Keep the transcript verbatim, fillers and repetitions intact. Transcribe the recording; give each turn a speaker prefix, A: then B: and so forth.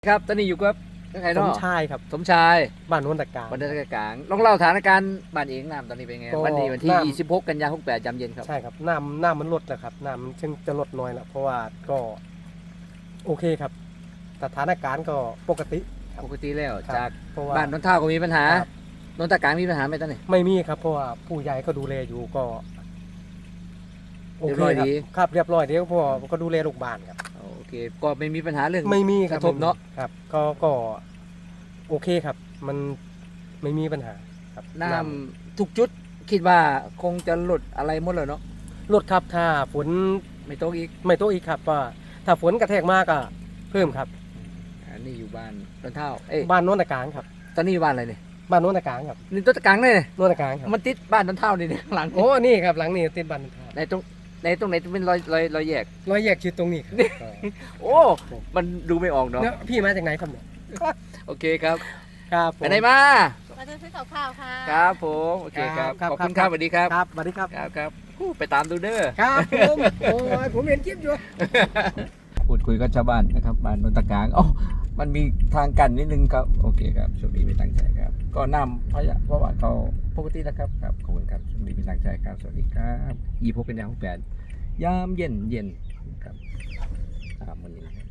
A: ครับตอนนี้อยู่กับใคร
B: ส
A: เนาะ
B: มชายครับ
A: สมชาย
B: บ้านโนนตะการ
A: วันเดือนกลางลองเล่าสถานการณ์บ้านเองน้ำตอนนี้เป็นไง
B: ก็
A: วันนี้วันที่
B: น้ำ
A: ยี่สิบหกกันยายนหกสิบแปดยามเย็นครับ
B: ใช่ครับน้ำน้ำมันลดแล้วครับน้ำมันจึงจะลดน้อยแล้วเพราะว่าก็โอเคครับสถานการณ์ก็ปกติครับ
A: ปกติแล้ว
B: ครับ
A: จาก
B: เพราะว่า
A: บ้านนนท่าก็มีปัญหา
B: ครับ
A: นนตะกลางมีปัญหาไหมตอนนี้
B: ไม่มีครับเพราะว่าผู้ใหญ่ก็ดูแลอยู่ก็โอ
A: เรียบร้อย
B: เคครับ
A: ดี
B: ครับเรียบร้อยเดี๋ยวพอก็ดูแลลูกบ้านครับ
A: โอเคก็ไม่มีปัญหาเรื่อง
B: ไม่มีครับ
A: กระทบเนอะ
B: ครับ ก็ก็โอเคครับ มันไม่มีปัญหาครับ
A: น้ำทุกจุดคิดว่าคงจะหลุดอะไรหมดเลยเนาะ
B: ลดครับถ้าฝน
A: ไม่ตกอีก
B: ไม่ตกอีกครับว่าถ้าฝนกระแทกมากก็เพิ่มครับ
A: อันนี้อยู่บ้านนนท่าเอ้ย
B: บ้านโนนตะการครับ
A: ตอนนี้อยู่บ้านอะไรเนี่ย
B: บ้านโนนตะการครับ
A: นี่ต้นตะกลางเลยเนี่ย
B: โนนตะการครับ
A: มันติดบ้านนนท่านี่เนี่ยข้างหลัง
B: โอ้ นี่ครับหลังนี้ติดบันทา
A: ในตรงในตรงไหนเป็นรอยรอยรอยแยก
B: ร้อยแยกชื่อตรงนี้ครับ
A: โอ้มันดูไม่ออกเนาะ
B: แล้วพี่มาจากไหนครับเนี่ย
A: โอเคครับ
B: ครับผม
A: ไปไหนมา
C: มาจะซื้อกับข้าวค่ะ
A: ครับผมโอเคครับ
B: ครับ
A: ขอบคุณค
B: ครั
A: รับบ สวัสดีครับ
B: ครับสวัสดีครับ
A: ครับครับอู้ไปตามดูเด้อ
B: ครับผมโอ้ยผมเห็นคลิปอยู่
A: พูดคุยกับชาวบ้านนะครับบ้านนนตะกลางอ๋อมันมีทางกันนิดนึงครับโอเคครับช่วงนี้ไม่ตั้งใจครับ ก็นำพยะเพราะว่าเขาปกตินะครับครับขอบคุณครับช่วงนี้ไม่ตั้งใจครับสวัสดีครับอีพบเป็นยาหกแปดยามเย็นเย็นครับตามวันนี้ครับ